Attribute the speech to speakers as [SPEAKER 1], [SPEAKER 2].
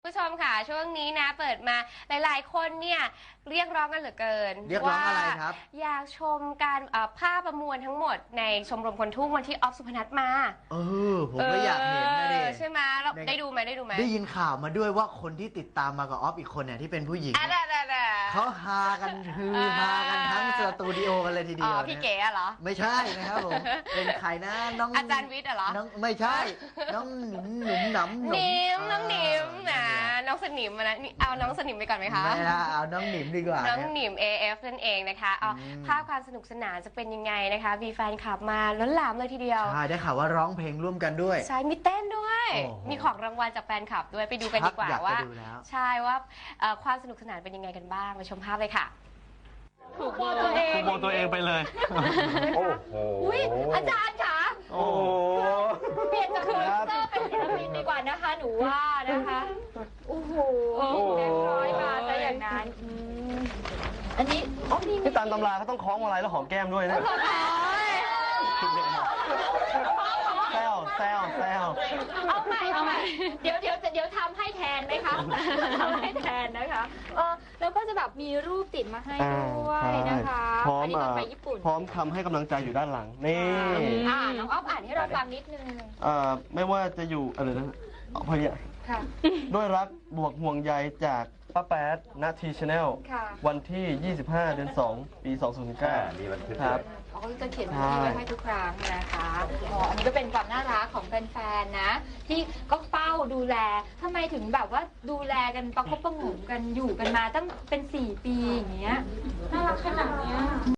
[SPEAKER 1] ผู้ชมค่ะช่วงนี้นะเปิดมาหลายๆคนเนี่ยเรียกร้องกันเหลือเกิน
[SPEAKER 2] เรียกร้องอะไรครับ
[SPEAKER 1] อยากชมการภาพประมวลทั้งหมดในชมรมคนทุ่งวันที่ออฟสุพนัทมา
[SPEAKER 2] ผมก็อยากเห็นนะเด็
[SPEAKER 1] ใช่ไหมเราได้ดูไหม
[SPEAKER 2] ได้ยินข่าวมาด้วยว่าคนที่ติดตามมากับออฟอีกคนเนี่ยที่เป็นผู้หญิงเขาฮากันฮากันทั้งสตูดิโอกันเลยทีเดียว
[SPEAKER 1] พี่เก๋เหรอ
[SPEAKER 2] ไม่ใช่นะครับผมเป็นใครนะน้อง
[SPEAKER 1] อาจารย์วิทย์เหรอ
[SPEAKER 2] ไม่ใช่น้องหนุ่มหนำ
[SPEAKER 1] น้องหนิมนะน้องสนิมนะเอาน้องสนิมไปก่อนไหมคะ
[SPEAKER 2] ไม่ละเอาน้องหนิมดีกว่า
[SPEAKER 1] น้องหนิม AF นั่นเองนะคะเอาภาพความสนุกสนานจะเป็นยังไงนะคะมีแฟนคลับมาล้นหลามเลยทีเดียว
[SPEAKER 2] ใช่ได้ข่าวว่าร้องเพลงร่วมกันด้วย
[SPEAKER 1] ใช่มีเต้นด้วยมีของรางวัลจากแฟนคลับด้วยไปดูกันดีกว่าว่าใช่ว่าความสนุกสนานเป็นยังไงกันบ้างไปชมภาพเลยค่ะ
[SPEAKER 3] ถูกโบตัวเองไปเลย
[SPEAKER 4] โอ้โห
[SPEAKER 1] อาจารย์คะ
[SPEAKER 4] โอ้
[SPEAKER 1] เปลี่ยนจากโปรดิวเซอร์เป็นศิลปินดีกว่านะคะหนูว่านะคะโอ้โหเรียบร้อยมาซะอย่างนั้นอันนี้
[SPEAKER 3] ที่ตามตำราเขาต้องคล้องอะไรแล้วหอมแก้มด้วยนะแซว
[SPEAKER 1] เอาใหม่เดี๋ยวทำให้แทนไหมคะทำให้แทนนะคะแล้วก็จะแบบมีรูปติดมาให้ด้วยนะคะ
[SPEAKER 3] พร้อม
[SPEAKER 1] ไปญี่ปุ่น
[SPEAKER 3] พร้อมทำให้กำลังใจอยู่ด้านหลังนี่
[SPEAKER 1] น้องอ๊อฟอ่านให้เราฟังนิดนึง
[SPEAKER 3] ไม่ว่าจะอยู่อะไรนะพอเนี่ยด้วยรักบวกห่วงใยจากป้าแป๊ดณทีชาแนลวันที่ 25 เดือน 2 ปี 2009ครับ
[SPEAKER 1] เขาก็จะเขียนมาไว้ให้ทุกครั้งนะคะอันนี้ก็เป็นความน่ารักของแฟนๆนะที่ก็เฝ้าดูแลทำไมถึงแบบว่าดูแลกันประคบประหงมกันอยู่กันมาตั้งเป็น4 ปีอย่างเงี้ยน่ารักขนาดเนี้ย